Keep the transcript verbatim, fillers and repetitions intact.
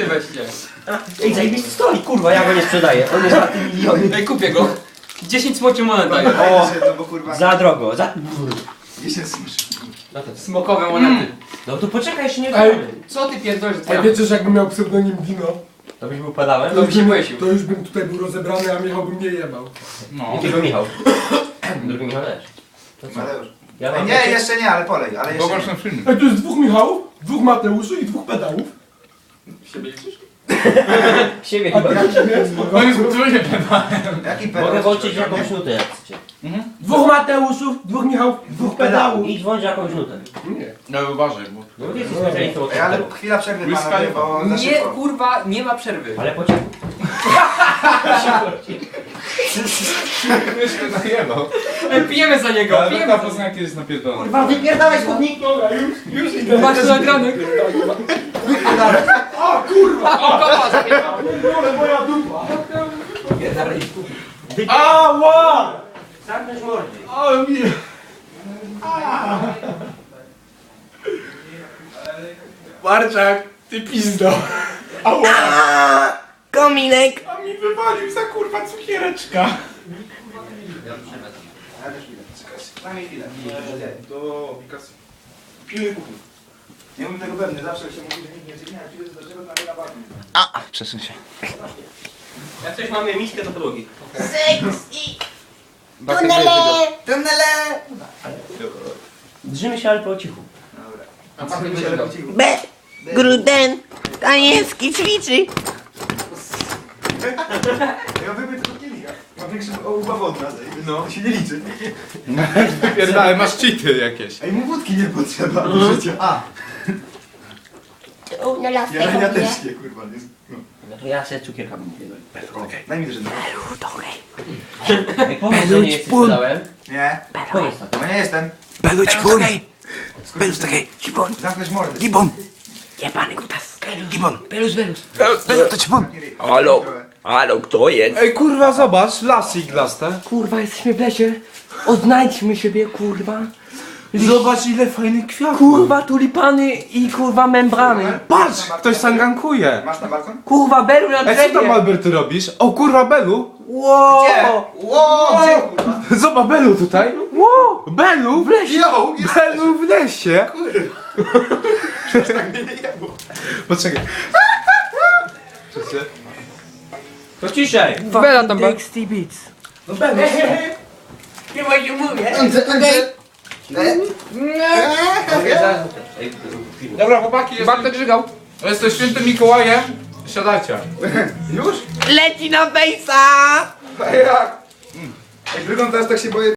ty weźcie. Ej, zajebisty stoi, kurwa, ja go nie sprzedaję. On jest warty miliony. Ej, kupię go. dziesięć smoczy monet daję. O, no bo kurwa. Za drogo, za... dziesięć smash. Smokowe monety. No to poczekaj, jeszcze nie Ej. gramy. Co ty pierdolisz? A wiecie, że jakbym miał pseudonim Dino, To byś był padałem? To by się błęsił. to już bym tutaj był rozebrany, a Michał by mnie jebał. No. Jakiego Michał? Drugi Michał też. To co? Mateusz. Ja Ej, mam nie, takie- jeszcze nie, ale polej, ale jeszcze Zobacz nie. na film. Ej, tu jest dwóch Michałów, dwóch Mateuszy i dwóch pedałów. Siebie liczysz? Siebie A chyba. jaki jest? No jest trójnie pedał. Jaki pedał? Mogę włączyć jakąś nutę, jak chcecie. Dwóch Mateuszów, dwóch Michałów, dwóch pedałów. Idź włącz jakąś nutę. Nie. No uważaj, bo... No ty jesteś specjalistą od Ej, ale tego. chwila przerwy Wiz panowie, Khalifa. bo za Nie, szybko. kurwa, nie ma przerwy. Ale po cichu. Myśmy najebał. Ej, pijemy za niego, Ale pijemy taka za niego. poznania kiedyś napierdolona. Kurwa, wypierdalaj skutnik! Już idę. Masz to nagrane. O kurwa! O, kopa zapierdala. Ale moja dupa! Ała! Zamknąć mordy. Ale mi... Marczak, ty pizdo! Ała! Kominek! A mi wywalił za kurwa cukiereczka! Ale też chwilę. Daj mi chwilę. Do Picasso. Nie mam tego pewny, zawsze się mówi, że nikt nie przygina, przyjdę do czego tam na barwę. A, przesuń się. Jak coś mamy miskę do podłogi. Tunele! Tunele! Drżymy się, ale po cichu. Dobra. A pan się lepiej. B. Gruden. Danielski ćwiczy. Ja wypiję tylko kielicha. Mam większy ubaw od nas, no. To się nie liczy. Wypierdalaj, masz cheaty jakieś. Ej, mu wódki nie potrzeba do życia. A, U, na laskę ja, ja kupię. też nie, kurwa. Nie, no. No to ja sobie cukierka bym O, daj mi też jedno. Ej, powiedz, że nie jesteś pedałem. Nie, Powiedz to. bo nie jestem. Beluć pun. Belus takiej. Gibon. Zamknąć mordę. Gibon. Jebany kutas. Gibon. Belus, belus. Belus to ćpun. Halo. Halo, kto jest? Ej kurwa, zobacz, lasy iglaste. Kurwa, jesteśmy w lesie. Odnajdźmy siebie, kurwa. Zobacz ile fajnych kwiatów. Kurwa, tulipany i kurwa membrany. Patrz, ktoś sangankuje. Masz na balkon? Kurwa, belu na Ej, co drzewie. tam Albert robisz? O kurwa, Belu. Wow. Ło, gdzie kurwa? Zobacz, Belu tutaj. Wow, Belu w lesie. Jo, Belu w lesie. tak mnie nie jebło. Poczekaj. Czekaj. To ciszej. Bela tam był. Dixty Beats. No będę. Chyba się mówię. Dobra, chłopaki, jest... Bartek żygał. jesteś świętym Mikołajem. Siadajcie. Już? Leci na fejsa. A jak? Ej, wygląda teraz tak się boję.